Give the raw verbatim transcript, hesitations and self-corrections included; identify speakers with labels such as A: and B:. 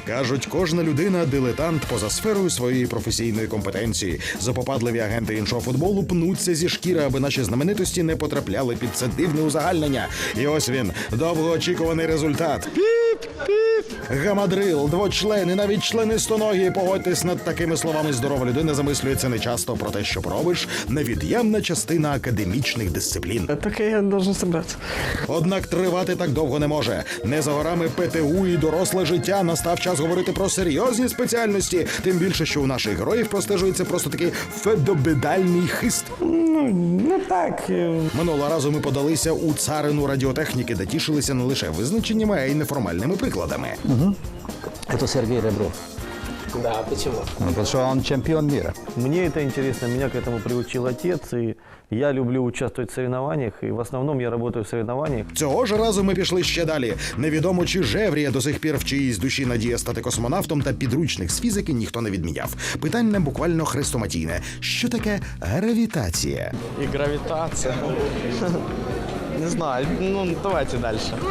A: Кажуть, кожна людина – дилетант поза сферою своєї професійної компетенції. Запопадливі агенти іншого футболу пнуться зі шкіри, аби наші знаменитості не потрапляли під це дивне узагальнення. І ось він, довгоочікуваний результат. Гамадрил, двочлен і навіть членистоногі. Погодьтесь, над такими словами здорова людина замислюється нечасто про те, що робиш – невід'ємна частина академічних дисциплін.
B: Так я должен собраться.
A: Однак тривати так довго не може. Не за горами ПТУ і доросле життя. Настав час говорити про серйозні спеціальності. Тим більше, що у наших героїв простежується просто такий федобедальний хист.
B: Ну, не так. е,
A: Минулого разу ми подалися у царину радіотехніки, де тішилися не лише визначеннями, а й неформальними прикладами.
C: Это Сергей Ребров.
B: Да, почему?
C: Ну, потому что он чемпион мира.
D: Мне это интересно, меня к этому приучил отец, и я люблю участвовать в соревнованиях, и в основном я работаю в соревнованиях.
A: Цього ж разу ми пішли ще далі. Невідомо, чи Жеврія до сих пір в чиїсь душі надія стати космонавтом, та підручних з фізики ніхто не відміняв. Питання буквально хрестоматійне. Що таке гравітація?
B: И гравитация. Не знаю, ну давайте дальше.